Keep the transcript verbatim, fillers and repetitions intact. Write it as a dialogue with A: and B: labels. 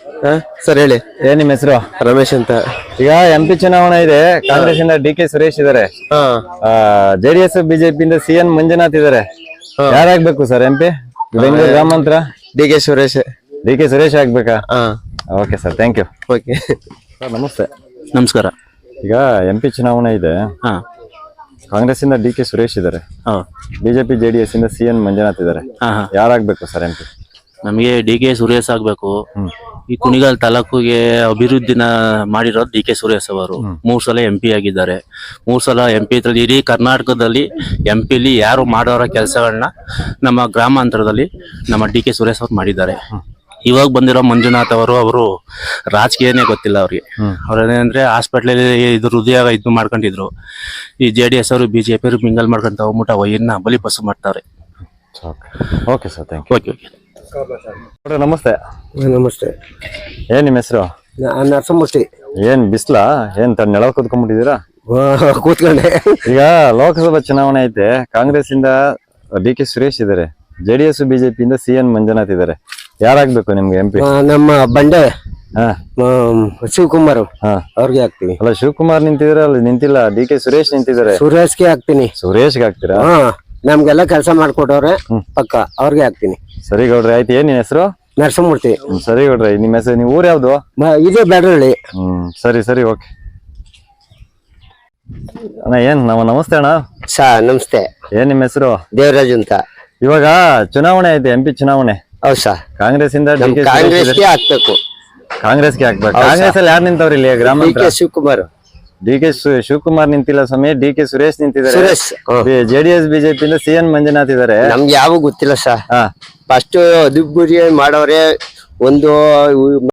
A: Sir ಹೇಳಿ.
B: ಏನ್ ನಿಮ್ಮ ಹೆಸರು?
A: ರಮೇಶ್ ಅಂತ.
B: ಈಗ ಎಂ ಪಿ ಚುನಾವಣೆ ಇದೆ. ಕಾಂಗ್ರೆಸ್ ಇಂದ ಡಿ ಕೆ ಸುರೇಶ್ ಇದಾರೆ, ಜೆಡಿಎಸ್ ಬಿಜೆಪಿ ಇಂದ ಸಿ ಎನ್ ಮಂಜುನಾಥ್ ಇದಾರೆ. ಯಾರಾಗ್ಬೇಕು ಸರ್ ಎಂ ಪಿ ಬೆಂಗಳೂರು ಗ್ರಾಮಾಂತರ?
A: D K Suresh.
B: D K Suresh ಆಗ್ಬೇಕಾ? Okay sir, thank you.
A: Okay
B: sir ನಮಸ್ತೆ.
C: ನಮಸ್ಕಾರ.
B: ಈಗ ಎಂ ಪಿ ಚುನಾವಣೆ ಇದೆ.
C: ಹಾ
B: ಕಾಂಗ್ರೆಸ್ ಇಂದ ಡಿ ಕೆ ಸುರೇಶ್ ಇದಾರೆ, ಬಿಜೆಪಿ ಜೆಡಿಎಸ್ ಇಂದ ಸಿ ಎನ್ ಮಂಜುನಾಥ್ ಇದಾರೆ. ಯಾರಾಗ್ಬೇಕು ಸರ್ ಎಂ ಪಿ?
C: ನಮಗೆ ಡಿ ಕೆ ಸುರೇಶ್ ಆಗ್ಬೇಕು. ಈ ಕುಣಿಗಲ್ ತಾಲೂಕಿಗೆ ಅಭಿವೃದ್ಧಿನ ಮಾಡಿರೋದು ಡಿ ಕೆ ಸುರೇಶ್ ಅವರು. ಮೂರ್ ಸಲ ಎಂ ಪಿ ಆಗಿದ್ದಾರೆ. ಮೂರ್ ಸಲ ಎಂ ಪಿ ಇಡೀ ಕರ್ನಾಟಕದಲ್ಲಿ ಎಂ ಪಿಲಿ ಯಾರು ಮಾಡೋರ ಕೆಲಸಗಳನ್ನ ನಮ್ಮ ಗ್ರಾಮಾಂತರದಲ್ಲಿ ನಮ್ಮ ಡಿ ಕೆ ಸುರೇಶ್ ಅವರು ಮಾಡಿದ್ದಾರೆ. ಇವಾಗ ಬಂದಿರೋ ಮಂಜುನಾಥ್ ಅವರು ಅವರು ರಾಜಕೀಯನೇ ಗೊತ್ತಿಲ್ಲ ಅವ್ರಿಗೆ. ಅವ್ರೇನಂದ್ರೆ ಹಾಸ್ಪಿಟ್ಲಲ್ಲಿ ಇದು ಹೃದಯ ಇದು ಮಾಡ್ಕೊಂಡಿದ್ರು. ಈ ಜೆ ಡಿ ಎಸ್ ಅವರು ಬಿಜೆಪಿ ಅವರು ಮಿಂಗಲ್ ಮಾಡ್ಕೊಂತ ಹೋಗ್ಬಿಟ್ಟು ವೈರ್ನ ಬಲಿ ಪಸು ಮಾಡ್ತಾರೆ.
B: Okay sir, thank you.
C: Okay okay
B: ನಮಸ್ತೆ.
A: ನಮಸ್ತೆ.
B: ಏನ್ ನಿಮ್ಮ ಹೆಸರು?
A: ನರಸಮೂರ್ತಿ.
B: ಏನ್ ಬಿಸ್ಲಾ? ಏನ್ ತನ್ನ ನೆಲ ಕೂತ್ಕೊಂಡ್ಬಿಟ್ಟಿದ್ದೀರಾ?
A: ಕೂತ್ಕೊಂಡೆ.
B: ಈಗ ಲೋಕಸಭಾ ಚುನಾವಣೆ ಐತೆ. ಕಾಂಗ್ರೆಸ್ ಇಂದ ಡಿ ಕೆ ಸುರೇಶ್ ಇದಾರೆ, ಜೆಡಿಎಸ್ ಬಿಜೆಪಿ ಇಂದ ಸಿ ಎನ್ ಮಂಜುನಾಥ್ ಇದಾರೆ. ಯಾರಾಗ್ಬೇಕು ನಿಮ್ಗೆ ಎಂ ಪಿ?
A: ನಮ್ಮ ಬಂಡೆ
B: ಹಾ
A: ಶಿವಕುಮಾರ್
B: ಹಾ
A: ಅವ್ರಿಗೆ ಹಾಕ್ತೀನಿ.
B: ಅಲ್ಲ, ಶಿವಕುಮಾರ್ ನಿಂತಿದ್ರೆ ಅಲ್ಲಿ ನಿಂತಿಲ್ಲ, ಡಿ ಕೆ ಸುರೇಶ್ ನಿಂತಿದ್ದಾರೆ.
A: ಸುರೇಶ್ಗೆ ಹಾಕ್ತೀನಿ.
B: ಸುರೇಶ್ಗೆ ಹಾಕ್ತೀರಾ?
A: ಹಾ, ನಮ್ಗೆಲ್ಲ ಕೆಲಸ ಮಾಡ್ಕೊಟ್ಟವ್ರೆ ಪಕ್ಕ, ಅವ್ರಿಗೆ ಹಾಕ್ತೀನಿ.
B: ಸರಿ ಗೌಡ್ರೆ, ಆಯ್ತು. ಏನ್ ನಿನ್ ಹೆಸರು?
A: ನರಸಮೂರ್ತಿ.
B: ಸರಿ ಗೌಡ್ರೆ, ನಿಮ್ಮ ಹೆಸರು, ನಿಮ್ ಊರ್ ಯಾವ್ದು?
A: ಇದೇ ಬ್ಯಾಡ್ರಳ್ಳಿ.
B: ಹ್ಮ್, ಸರಿ ಸರಿ, ಓಕೆ ಅಣ್ಣ. ಏನ್ ನಮ್ಮ ನಮಸ್ತೆ ಅಣ್ಣ.
A: ಸಾ ನಮಸ್ತೆ.
B: ಏನ್ ನಿಮ್ಮ ಹೆಸರು?
A: ದೇವರಾಜ್ ಅಂತ.
B: ಇವಾಗ ಚುನಾವಣೆ ಐತೆ, ಎಂ ಪಿ ಚುನಾವಣೆ.
A: ಹೌದು ಸಾ.
B: ಕಾಂಗ್ರೆಸ್ ಇಂದ
A: ಕಾಂಗ್ರೆಸ್ಗೆ ಹಾಕ್ಬೇಕು.
B: ಕಾಂಗ್ರೆಸ್ಗೆ ಹಾಕ್ಬೇಕು. ಕಾಂಗ್ರೆಸ್ ಅಲ್ಲಿ ಯಾರು ನಿಂತವ್ರಿ ಇಲ್ಲಿ ಗ್ರಾಮ?
A: D K Shivakumar.
B: D K Shivakumar ನಿಂತಿಲ್ಲ ಸ್ವಾಮಿ, ಡಿ ಕೆ ಸುರೇಶ್ ನಿಂತಿದ್ದಾರೆ.
A: ಸುರೇಶ್.
B: ಜೆಡಿಎಸ್ ಬಿಜೆಪಿ ಇಂದ ಸಿ ಎನ್ ಮಂಜುನಾಥ್ ಇದಾರೆ.
A: ನಮ್ಗೆ ಯಾವ ಗೊತ್ತಿಲ್ಲ ಸಾ.
B: ಹಾ,
A: ಫಸ್ಟ್ ಅದುಬುರಿ ಮಾಡವ್ರೆ. ಒಂದು